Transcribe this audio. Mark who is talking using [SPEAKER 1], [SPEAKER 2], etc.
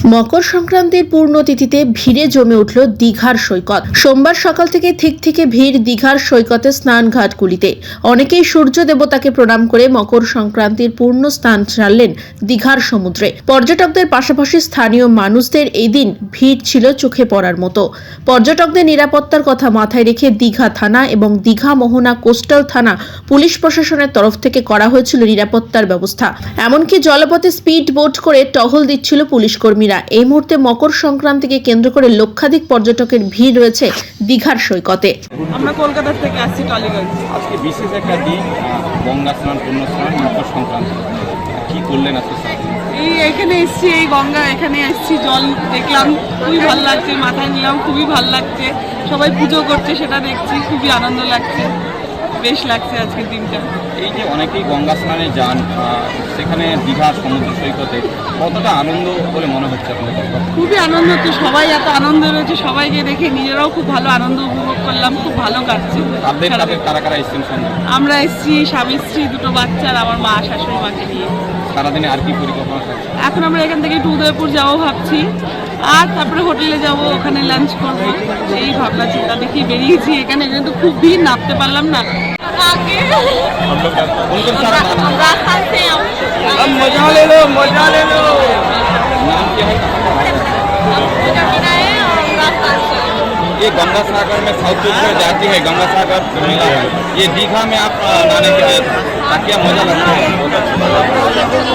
[SPEAKER 1] মকর সংক্রান্তির পূর্ণতিথিতে ভিড়ে জমে উঠল দীঘার সৈকত। সোমবার সকাল থেকে থেকে ভিড় দীঘার সৈকতে স্নানঘাটগুলিতে। অনেকেই সূর্য দেবতাকে প্রণাম করে মকর সংক্রান্তির পূর্ণ স্নান সারলেন দীঘার সমুদ্রে। পর্যটকদের পাশাপাশি স্থানীয় মানুষদের এই দিন ভিড় ছিল চোখে পড়ার মতো। পর্যটকদের নিরাপত্তার কথা মাথায় রেখে দীঘা থানা এবং দীঘা মোহনা কোস্টাল থানা পুলিশ প্রশাসনের তরফ থেকে করা হয়েছিল নিরাপত্তার ব্যবস্থা। এমনকি জলপথে স্পিড বোট করে টহল দিচ্ছিল পুলিশ কর্মীরা। এই মুহূর্তে মকর সংক্রান্তিকে কেন্দ্র করে লক্ষাধিক পর্যটকের ভিড় রয়েছে দীঘার সৈকতে।
[SPEAKER 2] আমরা কলকাতা থেকে আসছি টলিগঞ্জ।
[SPEAKER 3] আজকে বিশেষ একটা দিন, গঙ্গা স্নান, পূর্ণ স্নান, মকর সংক্রান্তি। কি করলেন আজকে?
[SPEAKER 2] এখানে এসছি, এই গঙ্গা এখানে এসছি, জল দেখলাম, খুবই ভালো লাগছে, মাথায় নিলাম, খুবই ভালো লাগছে। সবাই পুজো করছে, সেটা দেখছি, খুবই আনন্দ লাগছে, বেশ লাগছে আজকের দিনটা।
[SPEAKER 3] এই যে অনেকেই গঙ্গা স্নানে যান, সেখানে দীঘা সমুদ্র সৈকতে কতটা আনন্দ বলে মনে হচ্ছে আপনাদের?
[SPEAKER 2] খুবই আনন্দ, তো সবাই এত আনন্দ রয়েছে, সবাইকে দেখে নিজেরাও খুব ভালো আনন্দ উপভোগ করলাম, খুব ভালো কাটছে।
[SPEAKER 3] কারা কারা এসেছেন সঙ্গে?
[SPEAKER 2] আমরা এসছি স্বামী স্ত্রী, দুটো বাচ্চা আর আমার মা শাশুড়ি মাকে নিয়ে।
[SPEAKER 3] সারাদিনে আর কি পরিকল্পনা থাকছে?
[SPEAKER 2] এখন আমরা এখান থেকে একটু উদয়পুর যাবো ভাবছি, আর তারপরে হোটেলে যাব, ওখানে লাঞ্চ করবো, এই ভাবনা চিন্তা দেখি বেরিয়েছি। এখানে কিন্তু খুব ভিড়, নামতে পারলাম না।
[SPEAKER 3] मजा ले लो, मजा ले लो। नाम क्या है? ये गंगा सागर में साउथ में जाती है, गंगा सागर मेला है। ये दीघा में आप नहाने के लिए क्या मजा लगता है?